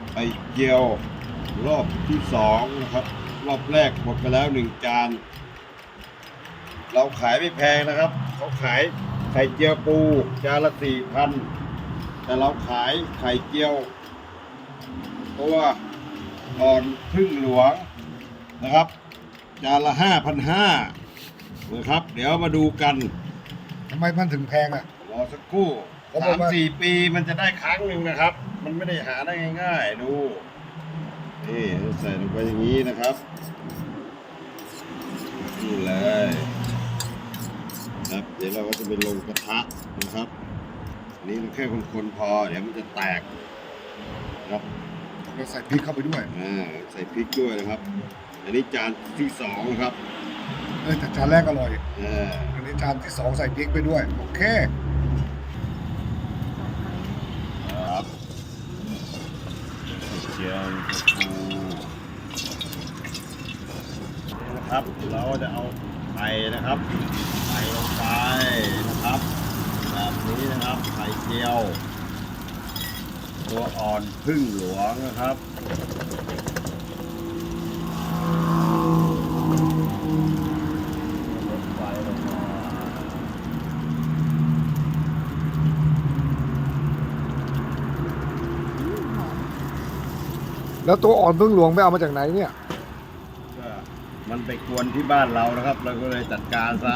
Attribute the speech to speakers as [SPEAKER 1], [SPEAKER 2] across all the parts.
[SPEAKER 1] ไข่เจียวรอบที่2นะครับรอบแรกหมดไปแล้ว1 จานเราขายไม่แพงนะครับเขาขายไข่เจียวปูจานละ 4,000 แต่เราขายไข่เจียวตัวอ่อนพึ่งหลวงนะครับจานละ 5,500 นะครับเดี๋ยวมาดูกัน
[SPEAKER 2] ทำไมมันถึงแพงอ่ะ
[SPEAKER 1] รอสักครู่
[SPEAKER 2] เขาบอกว่า
[SPEAKER 1] 3-4 ปีมันจะได้ครั้งหนึ่งนะครับ มันไม่ได้หาได้ง่ายๆดูนี่ใส่ลงไปอย่างนี้นะครับนี่เลยครับเดี๋ยวเราก็จะไปลงกระทะนะครับอันนี้เราแค่คนๆพอเดี๋ยวมันจะแตกครับ
[SPEAKER 2] เราใส่พริกเข้าไปด้วย
[SPEAKER 1] ใส่พริกด้วยนะครับ อันนี้จานที่2นะครับ
[SPEAKER 2] แต่จานแรกอร่อย
[SPEAKER 1] อ่า
[SPEAKER 2] อันนี้จานที่2ใส่พริกไปด้วยโอเค
[SPEAKER 1] ครับเจียวปูนะครับเราจะเอาไข่นะครับใส่ลงไปนะครับแบบนี้นะครับไข่เจียว ตัวอ่อนพึ่งหลวงนะครับลดไฟลงมา
[SPEAKER 2] แล้วตัวอ่อนพึ่งหลวงไปเอามาจากไหนเนี่ย
[SPEAKER 1] ก็มันไปกวนที่บ้านเรานะครับ เราก็เลยจัดการซะ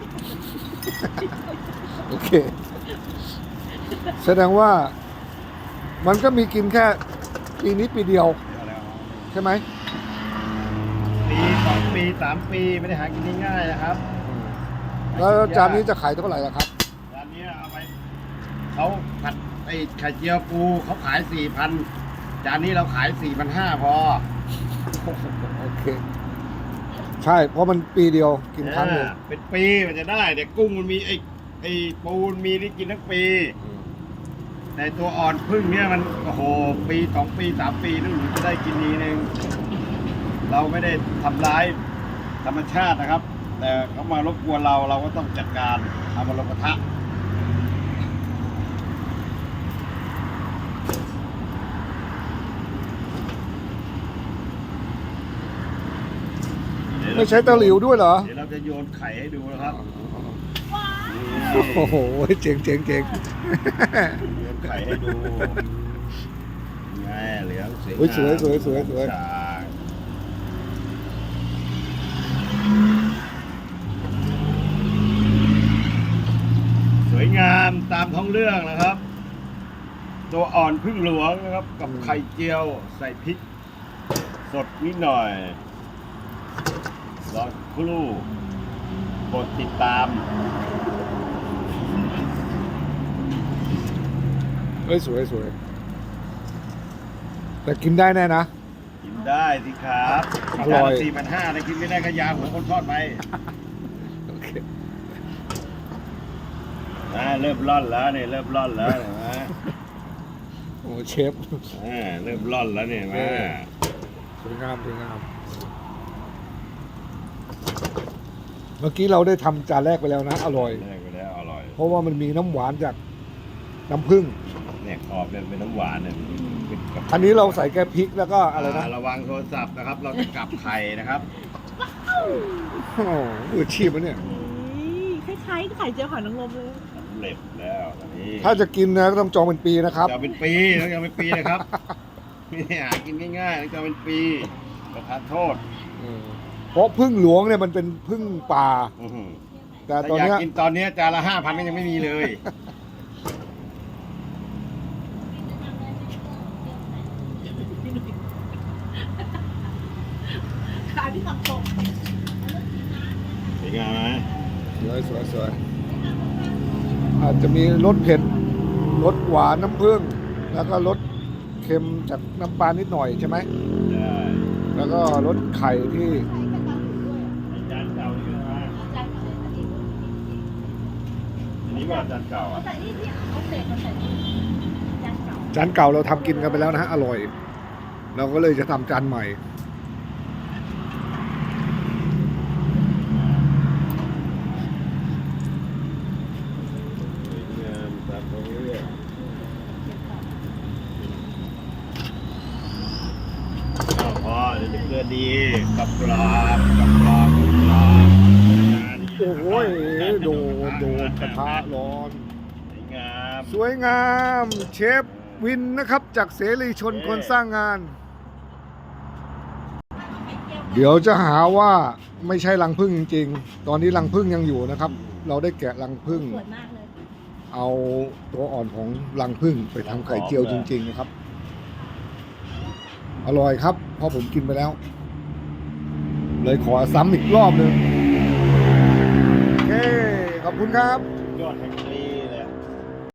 [SPEAKER 2] โอเค แสดงว่ามันก็มีกินแค่ปีนี้ปีเดียวใช่ไหม
[SPEAKER 1] ปี2 ปี 3 ปีไม่ได้หากินง่ายๆนะครับ
[SPEAKER 2] แล้วจานนี้จะขายเท่าไหร่ล่ะครับ
[SPEAKER 1] จานนี้เอาไปเขาผัดไอ้ไข่เจียวปูเขาขาย 4,000 จานนี้เราขาย 4,500 พอ
[SPEAKER 2] โอเค ใช่เพราะมันปีเดียวกินครั้งหนึ่ง
[SPEAKER 1] เป็นปีมันจะได้แต่กุ้งมันมีไอ้ปูมันมีที่กินทั้งปี แต่ตัวอ่อนพึ่งเนี่ยมันโอ้โหปี 2 ปี 3 ปีนึงจะได้กินทีนึงเราไม่ได้ทำร้ายธรรมชาตินะครับ แต่เขามารบกวนเราก็ต้องจัดการเอามาลงกระทะ
[SPEAKER 2] ไม่ใช้ตะหลิวด้วยเหรอ
[SPEAKER 1] เดี๋ยวเราจะโยนไข่ให้ดูนะครับ
[SPEAKER 2] โอ้โหเจ๋งเจ๋งเจ๋ง
[SPEAKER 1] โยนไข่ให้ดูไงเหลืองสวย
[SPEAKER 2] โอ้ยสวยสวยสวยสวย
[SPEAKER 1] สวยงามตามท้องเรื่องนะครับ ตัวอ่อนพึ่งหลวงนะครับ กับไข่เจียวใส่พริก สดนิดหน่อยรอครู่กดติดตาม
[SPEAKER 2] เฮ้ยสวยสวยแต่กินได้แน่นะ
[SPEAKER 1] กินได้สิครับ
[SPEAKER 2] อร่อย
[SPEAKER 1] 4,500นะกินไม่ได้ก็ยาหัวคนทอดไป
[SPEAKER 2] โอเค
[SPEAKER 1] เริ่มร่อนแล้วเนี่ยเริ่มร่อนแล้วเห็นไหม
[SPEAKER 2] โอ้เชฟ
[SPEAKER 1] เริ่มร่อนแล้วเนี่ยเห็นไหม
[SPEAKER 2] สวยงามสวยงามเมื่อกี้เราได้ทำจานแรกไปแล้วนะ อร่อย
[SPEAKER 1] ได้ไปแล้วอร่อย
[SPEAKER 2] เพราะว่ามันมีน้ำหวานจากน้ำผึ้ง
[SPEAKER 1] เนี่ยขอบเป็นน้ำหวานเนี่ยเป็นกับ
[SPEAKER 2] อันนี้เราใส่แค่พริกแล้วก็อะไรนะ
[SPEAKER 1] ระวังโทรศัพท์นะครับ เราจะกลับไข่นะครับ
[SPEAKER 2] โอ้โหมืออาชีพอะเนี่ย
[SPEAKER 3] คล้ายๆไข่เจียวหอยนางรมเลย
[SPEAKER 1] สำเร็จแล้วตอนนี้
[SPEAKER 2] ถ้าจะกินนะก็ต้องจองเป็นปีนะครับ
[SPEAKER 1] จะเป็นปีต้องจะเป็นปีนะครับไม่ได้หากินง่ายๆต้องจะเป็นปีประทานโทษ
[SPEAKER 2] เพราะพึ่งหลวงเนี่ยมันเป็นพึ่งป่า
[SPEAKER 1] อื้อหือ
[SPEAKER 2] แต่
[SPEAKER 1] ถ้า
[SPEAKER 2] ตอน
[SPEAKER 1] อยาก
[SPEAKER 2] เนี้ย
[SPEAKER 1] กินตอนนี้จานละ 5,000ก็ยังไม่มีเลย
[SPEAKER 3] ขาที่ตักตก
[SPEAKER 1] สวยงามไหม
[SPEAKER 2] สวยสวยสวยอาจจะมีรสเผ็ดรสหวานน้ำผึ้งแล้วก็รสเค็มจากน้ำปลานิดหน่อยใช่ไหม
[SPEAKER 1] ได้
[SPEAKER 2] แล้วก็รสไข่ที่
[SPEAKER 1] จานเก่านี่นะอันนี้ว่าจานเก่าอ่ะ
[SPEAKER 3] ใส่นี่ที่เอาเศษมาใส่นี่จานเก่า
[SPEAKER 2] จานเก่าเราทำกินกันไปแล้วนะฮะอร่อย เราก็เลยจะทำจานใหม่
[SPEAKER 1] สวยงามตามท้องเรื่องเรือดีกับปลา
[SPEAKER 2] โอ้โหโดนกระทะร้อน
[SPEAKER 1] สวยงาม
[SPEAKER 2] สวยงามเชฟวินนะครับจากเสรีชนคนสร้างงาน เดี๋ยวจะหาว่าไม่ใช่รังผึ้งจริงๆ ตอนนี้รังผึ้งยังอยู่นะครับ เราได้แกะรังผึ้ง
[SPEAKER 3] สวยมากเลย
[SPEAKER 2] เอาตัวอ่อนของรังผึ้งไปทำไข่เจียวจริงๆนะครับ อร่อยครับเพราะผมกินไปแล้ว เลยขอซ้ำอีกรอบหนึ่งโอเคขอบคุณครับ
[SPEAKER 1] ยอดแห่ง